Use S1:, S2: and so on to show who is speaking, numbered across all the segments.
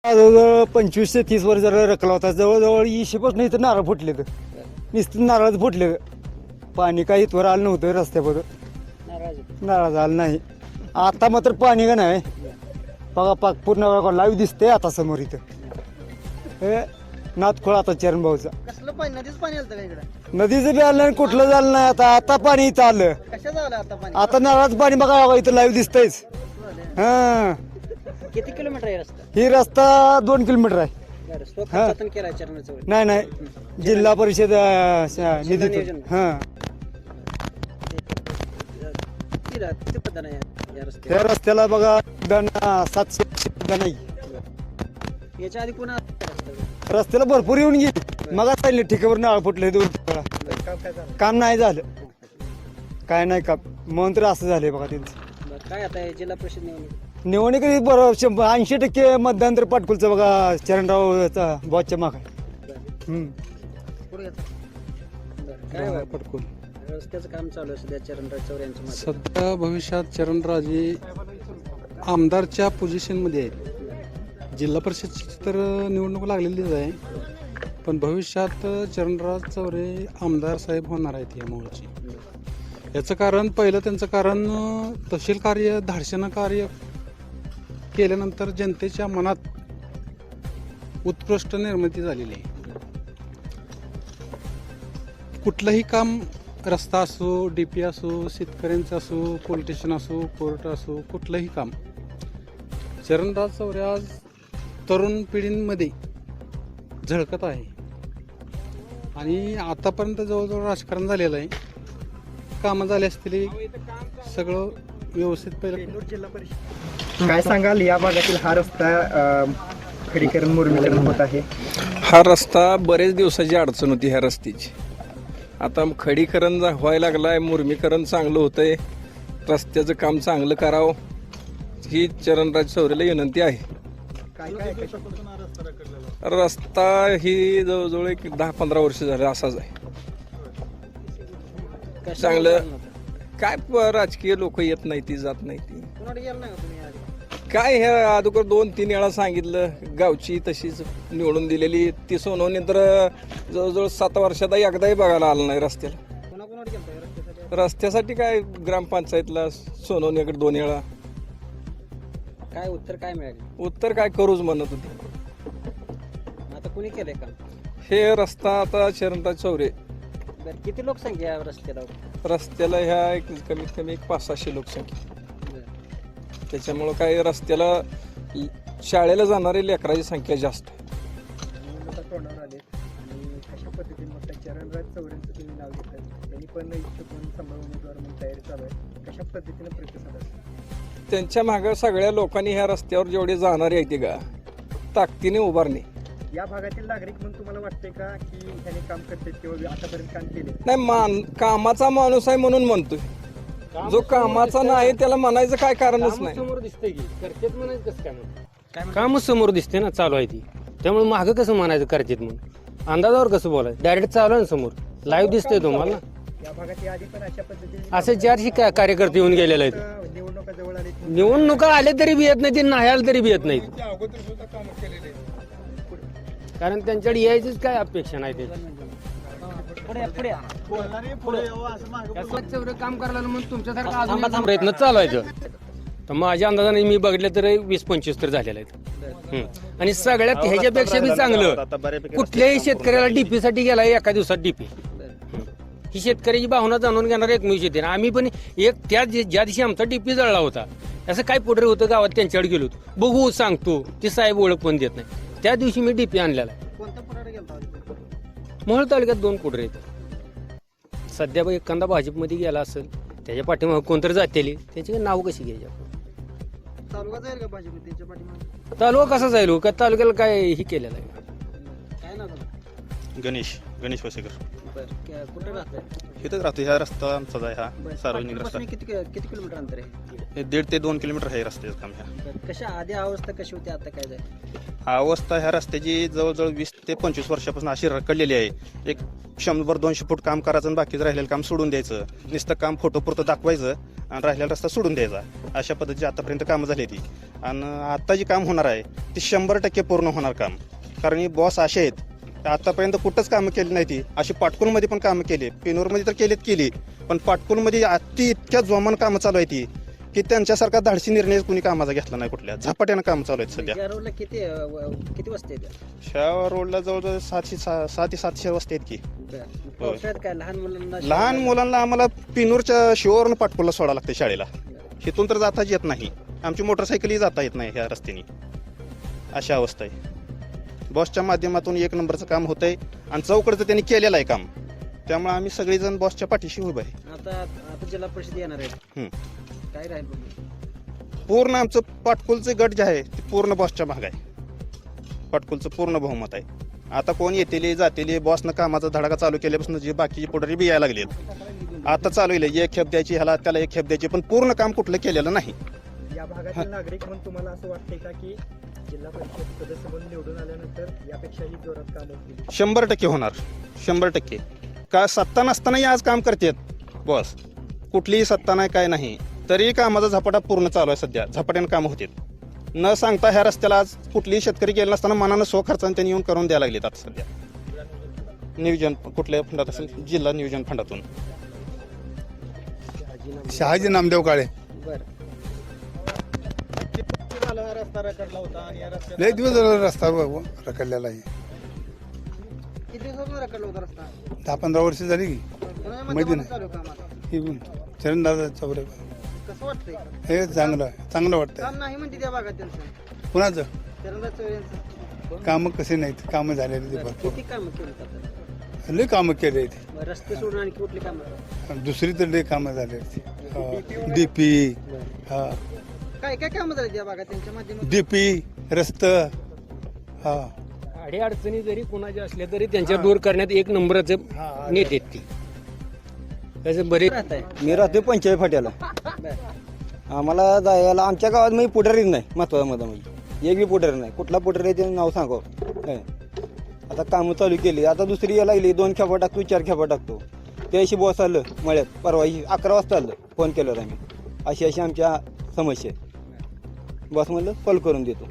S1: जवळजवळ 25 ते 30 वर्ष जरा रकला होता. जवळजवळ 20 इथं नारळ फुटले तर नुसतं नारळच फुटले. पाणी काही इथवर आलं नव्हतं रस्त्यावर नारळ आलं नाही. आता मात्र पाणी का नाही बघा पाक पूर्ण लाईव्ह दिसते आता समोर इथं. हे नाथखोळा आता चरण भाऊचा
S2: कसलं पाणी नदीच पाणी आलं का इकडे?
S1: नदीचं बी आलं नाही कुठलं झालं नाही. आता पाणी इथं आलं.
S2: कशाचं आलं आता पाणी?
S1: आता नारळाचं पाणी बघा इथं लाईव्ह दिसतंयच. हा
S2: किती किलोमीटर आहे रस्ता?
S1: ही रस्ता 2 किलोमीटर आहे.
S2: बरं, स्वखर्चातून केलाय चरणाचं वगैरे.
S1: नाही जिल्हा परिषद निधीतून.
S2: नियोजन.
S1: हा
S2: किती पद्धत आहे या रस्त्यावर?
S1: त्या रस्त्याला बघा दण 700 सुद्धा नाही.
S2: याच्या आधी पुन्हा
S1: रस्त्याला भरपूर येऊन गेली. मग चालले ठिकावर नाळ फुटले 2 वेळा. काम नाही झालं. काय नाही काम म्हणून तर असं झालंय बघा त्यांचं.
S2: काय आता हे जिल्हा परिषद
S1: निवडणूक बरोबर 80% मतदान तर पाटकुलचं बघा चरणरावचा बॉसच्या माग आहे.
S2: पुढे काय
S1: पाटकुल
S2: रस्त्याचं काम चालू आहे सध्या चरणराज चौरे यांच्या मागे.
S3: सध्या भविष्यात चरणराजे आमदारच्या पोझिशनमध्ये आहेत. जिल्हा परिषदची तर निवडणूक लागलेलीच आहे, पण भविष्यात चरणराज चौरे आमदार साहेब होणार आहेत या मूळची. याचं कारण पहिलं त्यांचं कारण तहसील कार्य धाडसीनं कार्य केल्यानंतर जनतेच्या मनात उत्कृष्ट निर्मिती झालेली आहे. कुठलंही काम रस्ता असो, डीपी असो, शेतकऱ्यांचं असो, पोलीस स्टेशन असो, कोर्ट असो, कुठलंही काम चरणराज चौरे आज तरुण पिढींमध्ये झळकत आहे. आणि आतापर्यंत जवळजवळ राजकारण झालेलं आहे. कामं झाली असतील सगळं व्यवस्थित. पहिलं
S2: जिल्हा परिषद
S4: काय सांगाल या भागातील हा रस्ता खडीकरण मुरमीकरण होत आहे?
S5: हा रस्ता बरेच दिवसाची अडचण होती ह्या रस्त्याची. आता खडीकरण व्हायला लागलाय, मुरमीकरण चांगलं होतंय, रस्त्याचं काम चांगलं करावं ही चरणराज चौरेला विनंती आहे.
S4: काय काय
S5: रस्ता ही जवळजवळ एक 10-15 वर्ष झालं असाच आहे. चांगलं काय राजकीय लोक येत नाही ती जात नाही ती
S2: कुणाकडे गेला नाही का तुम्ही आधी?
S5: काय हे अगोदर 2-3 वेळा सांगितलं. गावची तशीच निवडून दिलेली ती सोनवणी तर जवळजवळ 7 वर्षात एकदाही बघायला आलं नाही रस्त्याला.
S2: कुणाकुणाकडे गेलता या रस्त्यासाठी?
S5: रस्त्यासाठी काय ग्रामपंचायतला सोनवणीकडे 2 वेळा.
S2: काय उत्तर काय मिळाले?
S5: उत्तर काय करूच म्हणत होते.
S2: आता कुणी केलंय काम?
S5: हे रस्ता आता चरणराज चौरे
S2: बरं, किती लोकसंख्या या रस्त्याला?
S5: रस्त्याला ह्या एक कमीत कमी 500-600 लोकसंख्या.
S2: बरं.
S5: त्याच्यामुळं काय रस्त्याला शाळेला जाणारी लेकराची संख्या जास्त आहे.
S4: निवडणुका तोंडावर आले आणि कशा पद्धतीने मग चरणराज चौरेंचं तुम्ही नाव घेतलं, त्यांनी पण इच्छुक म्हणून सांभाळ उमेदवार म्हणून तयारी चालू आहे. कशा पद्धतीने प्रतिसाद असेल?
S5: त्यांच्या मागं सगळ्या लोकांनी ह्या रस्त्यावर जेवढे जाणारे आहेत ते का ताकदीने उभारणे.
S4: या भागातील नागरिक म्हणून तुम्हाला वाटते का की त्यांनी काम करतात किंवा आतापर्यंत काम केले?
S5: नाही कामाचा माणूस आहे म्हणून म्हणतोय. जो कामाचा नाही त्याला म्हणायचं काय कारणच नाही.
S6: समोर दिसतंय की करतेत म्हणायचं कसं काय म्हणून? कामच समोर दिसते ना चालू आहे ती, त्यामुळे मागं कसं म्हणायचं करतेत म्हणून? अंदाजावर कसं बोलायचं? डायरेक्ट चालू आहे ना समोर, लाईव्ह दिसतंय तुम्हाला.
S4: या भागात आधी पण अशा पद्धतीने
S6: असे 400 कार्यकर्ते येऊन गेलेले आहेत.
S4: निवडणुका जवळ आले
S6: निवडणुका आले तरी बी येत नाही, ते नाही आले तरी बी येत नाहीत. कारण त्यांच्याकडे यायचीच काय अपेक्षा नाही ते.
S2: पुढे पुढे
S6: कसं काम करायला म्हणून तुमच्यासारखं अजून प्रयत्न चालवायचं. तर माझ्या अंदाजाने मी बघितलं तर 20-25 तर झालेले आहेत. आणि सगळ्यात ह्याच्यापेक्षा बी चांगलं कुठल्याही शेतकऱ्याला डीपी साठी गेला एका दिवसात डीपी. ही शेतकऱ्याची भावना जाणून घेणार एकमेव शेतकरी. आम्ही पण ज्या दिवशी आमचा डीपी जळला होता असं काय पुढे होतं गावात त्यांच्याकडे गेलो होतो. बघू सांगतो ते साहेब ओळख पण देत नाही. त्या दिवशी मी डीपी आणलेला आहे.
S2: कोणत्या पुढे गेलता?
S6: मोहोळ तालुक्यात 2 कुटरे आहेत. सध्या बघ एखादा भाजपमध्ये गेला असेल त्याच्या पाठीमागे कोणतरी जातेली त्याची नाव कशी घ्यायची आपण?
S2: तालुका जाईल का भाजप त्यांच्या पाठीमागे?
S6: तालुका कसा जाईल? का तालुक्याला काय हे केलेलं आहे?
S2: काय नाव झालं?
S7: गणेश वसेकर.
S2: बरं, कुठे राहतंय?
S7: इथंच राहतो. ह्या रस्ता आमचाच आहे. हा सार्वजनिक रस्ता.
S2: पाटणापासून किती किलोमीटर अंतर आहे?
S7: हे 1.5 ते 2 किलोमीटर आहे रस्त्याचं काम. ह्या
S2: बरं, कशा आधी अवस्था कशी होती, आता काय जाईल?
S7: अवस्था ह्या रस्त्याची जवळजवळ 20 ते 25 वर्षापासून अशी रखडलेली आहे. एक 100-200 फूट काम करायचं आणि बाकीचं राहिलेलं काम सोडून द्यायचं. नुसतं काम फोटोपुरतं दाखवायचं आणि राहिलेला रस्ता सोडून द्यायचा. अशा पद्धतीची आतापर्यंत कामं झाली ती. आणि आता जी काम होणार आहे ती 100% पूर्ण होणार काम. कारण ही बॉस असे आहेत आतापर्यंत कुठंच कामं केली नाही ती. अशी पाटकुलमध्ये पण कामं केली, पेनूरमध्ये तर केली, पण पाटकुलमध्ये इतक्या जोमान कामं चालू आहे ती की त्यांच्यासारखा धाडसी निर्णय कुणी कामाचा घेतला नाही. कुठल्या झपाट्यानं कामं चालू आहेत सध्या.
S2: या रोडला किती वस्ती आहेत?
S7: ह्या रोडला जवळजवळ 700 वस्ती आहेत की.
S2: पावसाळ्यात काय
S7: लहान मुलांना आम्हाला पिनूरच्या शिववरून पाटकुलला सोडावं लागते शाळेला. इथून तर जाताच येत नाही. आमची मोटरसायकलही जाता येत नाही ह्या रस्त्याने. अशा अवस्था आहे. बॉसच्या माध्यमातून 1 नंबरचं काम होतंय आणि चौकडचं त्यांनी केलेलं आहे काम. त्यामुळे आम्ही सगळेजण बॉसच्या पाठीशी उभे आहे.
S2: आता जिल्हा परिषद येणार आहे, काय राहील?
S7: पूर्ण आमचं पाटकुलचं गट जे आहे ते पूर्ण बॉसच्या भाग आहे. पाटकुलचं पूर्ण बहुमत आहे. आता कोण येतेले जातेले बॉसनं कामाचा धडाका चालू केल्यापासून जे बाकीचे पुढारी बी यायला लागलेत. आता चालू आहे 1 खेप द्यायची ह्याला, त्याला 1 खेप द्यायची, पण पूर्ण काम कुठलं केलेलं नाही.
S4: या भागातील नागरिक म्हणून तुम्हाला असं वाटतंय का की जिल्हा परिषद सदस्य म्हणून निवडून आल्यानंतर यापेक्षाही जोरात काम होतील?
S7: 100% होणार, 100%. का सत्ता नसतानाही आज काम करतात बॉस. कुठलीही सत्ता नाही, काय नाही, तरी कामाचा झपाटा पूर्ण चालू आहे सध्या. झपाट्यानं कामं होतात. न सांगता ह्या रस्त्याला आज कुठलीही शेतकरी गेला नसताना मनानं खर्चाने त्यांनी येऊन करून द्यायला लागलेत. आता सध्या नियोजन कुठल्या फंडात असेल, जिल्हा नियोजन फंडातून.
S8: शहाजी नामदेव काळे. लय दिवस झाला रस्ता रखडलेला आहे.
S2: किती दिवसापासून रखडला होता रस्ता?
S8: 10-15 वर्ष झाली की माहिती नाही.
S2: चालू काम आता.
S8: ही चरणदादा चौरे.
S2: कसं वाटतंय?
S8: हे चांगलं वाटतंय.
S2: काम नाही म्हणते त्या भागात त्यांचं.
S8: कुणाचं
S2: चरणदास चौरे यांचं.
S8: कामं कसे नाहीत, कामं झालेली ते भरपूर.
S2: किती कामं केली आता?
S8: लय कामं केले आहेत.
S2: रस्ते सोडून आणि कुठली कामं?
S8: दुसरी तर लय कामं झाले आहेत. डीपी, हा
S2: काय काय कामं झाली त्या भागात त्यांच्या माध्यमातून?
S8: डीपी, रस्त, हा
S6: अडचणी जरी कोणाच्या असल्या तरी त्यांच्या दूर करण्यात 1 नंबरचे नेते आहेत ती. त्याचे बरेच
S2: राहताय?
S1: मी राहतो पंचायत फाट्याला. आम्हाला जायला आमच्या गावात म्हणजे पुढारीच नाही. महत्वाचा मुद्दा म्हणजे एक बी पुढारी नाही. कुठला पुढारी आहे ते नाव सांगावं काय. आता कामं चालू केली, आता दुसरी यायला लागली. 2 खेपा टाकतो, 4 खेपा टाकतो. त्याशी बॉस आलं मळ्यात परवा 11 वाजता आलं. फोन केल्यावर आम्ही अशी आमच्या समस्या आहे. बॉस म्हणलं सॉल्व करून देतो.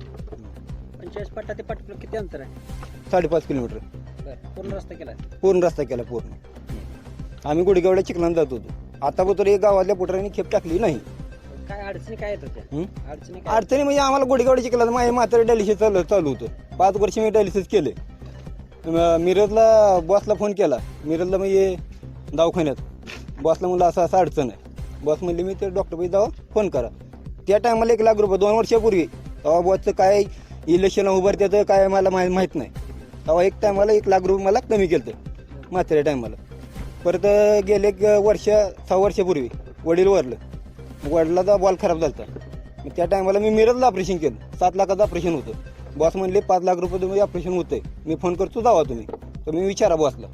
S2: 50 पट्टा ते पाटकुला किती अंतर आहे?
S1: 5.5 किलोमीटर
S2: पूर्ण रस्ता केला?
S1: पूर्ण रस्ता केला पूर्ण. आम्ही गुडगावड्या चिखलान जात होतो. आतापर्यंत एक गावातल्या पुढाऱ्यांनी खेप टाकली नाही.
S2: काय अडचणी काय येत होत्या? अडचणी काय?
S1: अडचणी म्हणजे आम्हाला गुडगावड्या चिखला माझ्या म्हातारे डायलिसिस चालू होतं. 5 वर्ष मी डायलिसिस केले. मिरजला बॉसला फोन केला. मिरजला म्हणजे दवाखान्यात बॉसला म्हणलं असं अडचण आहे. बॉस म्हणले मी ते डॉक्टरपाशी जावा फोन करा. त्या टायमाला 1 लाख रुपये 2 वर्षापूर्वी. तेव्हा बॉसचं काय इलेक्शन उभार त्याचं काय मला माहीत नाही. तेव्हा एक टायमाला 1 लाख रुपये मला कमी केलं म्हाताऱ्या टायमाला. परत गेले 6 वर्षापूर्वी वडील वारलं. वडिलाचा बॉल खराब झाला. मग त्या टायमाला मी मिरजला ऑपरेशन केलं. 7 लाखाचं ऑपरेशन होतं. बॉस म्हणले 5 लाख रुपये तुम्ही ऑपरेशन होतंय. मी फोन करतो जावा तुम्ही. तुम्ही विचारा बॉसला.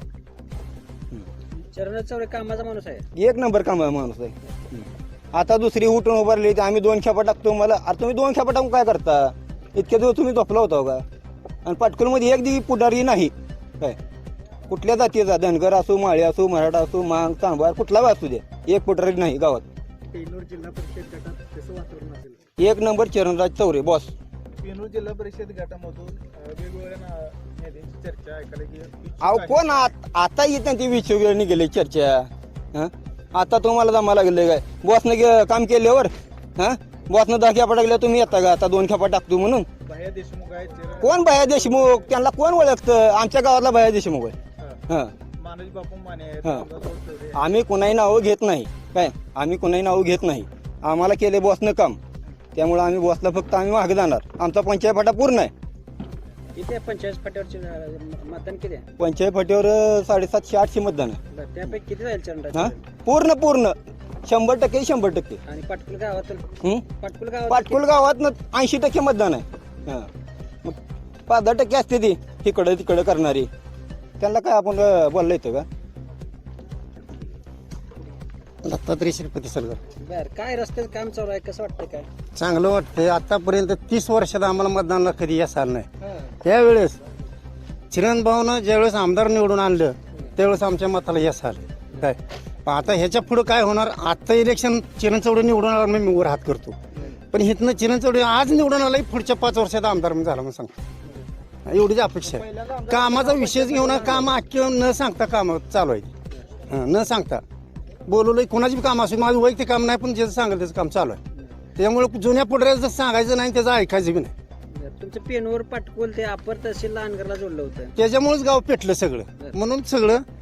S2: चरणदास चौरे कामाचा माणूस आहे.
S1: 1 नंबर काम माणूस आहे. आता दुसरी उठून उभारली तर आम्ही 2 खेपा टाकतो. मला अरे तुम्ही 2 खेपा टाकून काय करता? इतक्या दिवस तुम्ही झोपला होता का? आणि पाटकुलमध्ये 1 दिवस पुढारी नाही. काय कुठल्या जातीचा, धनगर असो, माळी असो, मराठा असो, मांग, चांभार कुठला असू द्या, 1 पुढारी नाही गावात.
S4: पेनूर जिल्हा परिषद गटात कसं वातावरण असेल?
S1: 1 नंबर चरणराज चौरे बॉस.
S4: पेनूर जिल्हा परिषद गटामधून वेगवेगळ्या नेत्यांची चर्चा ऐकायला गेली.
S1: अहो कोण आता येत नाही. ती विचार निघाले चर्चा. हं? आता तुम्हाला जमा लागले काय? बॉसनं काम केल्यावर बॉसनं 10 खेपा टाकल्या तुम्ही येता का? आता 2 खेपा टाकतो म्हणून.
S4: भैया देशमुख आहेत.
S1: कोण भैया देशमुख? त्यांना कोण ओळखतं? आमच्या गावातला भैया देशमुख आहे.
S4: मानोज बापू माने
S1: आहेत. आम्ही कुणाही नावं घेत नाही. काय आम्ही कुणाही नावं घेत नाही. आम्हाला केले बॉसनं काम. त्यामुळे आम्ही बॉसला फक्त आम्ही मागे जाणार. आमचा पंचायत फाटा पूर्ण आहे.
S2: किती आहे 50 फाट्यावरचे मतदान किती आहे?
S1: पंचायत फाट्यावर 750-800 मतदान आहे.
S2: त्यापैकी किती जाईल चरणदास?
S1: पूर्ण 100% 100%.
S2: आणि पाटकुल गावातून?
S1: पाटकुल गावात 80% मतदान आहे. मग 5-10% असते ती तिकडं तिकडं करणारी. त्यांना काय आपण बोललं येतं का?
S9: दत्तात्रय श्रीपती सरकार.
S2: बर, काय रस्त्याचं काम चालू आहे, कसं वाटतंय? काय
S9: चांगलं वाटतंय. आतापर्यंत 30 वर्षात आम्हाला मतदानाला कधी यश आलं नाही. त्यावेळेस चिरण भाऊनं ज्यावेळेस आमदार निवडून आणलं त्यावेळेस आमच्या मताला यश आलं. काय पण आता ह्याच्या पुढं काय होणार? आता इलेक्शन चिरण चौडे निवडून आला मी वर हात करतो, पण इथनं चिरण चौडे आज निवडून आला पुढच्या 5 वर्षात आमदार म्हणून झाला म्हणून सांगतो. एवढीच अपेक्षा आहे. कामाचा विषयच घेऊन काम अख्खे न सांगता काम चालू आहे. न सांगता बोलवलं कोणाची बी काम असू, माझं वैयक्तिक काम नाही, पण ज्याचं सांगेल त्याचं काम चालू आहे. त्याच्यामुळे जुन्या पुढऱ्याचं सांगायचं नाही, त्याचं ऐकायचं बी नाही.
S2: तुमचं पेनवर पाटकोल ते अपर तहसील अनगरला जोडलं होतं.
S9: त्याच्यामुळेच गाव पेटलं सगळं. म्हणून सगळं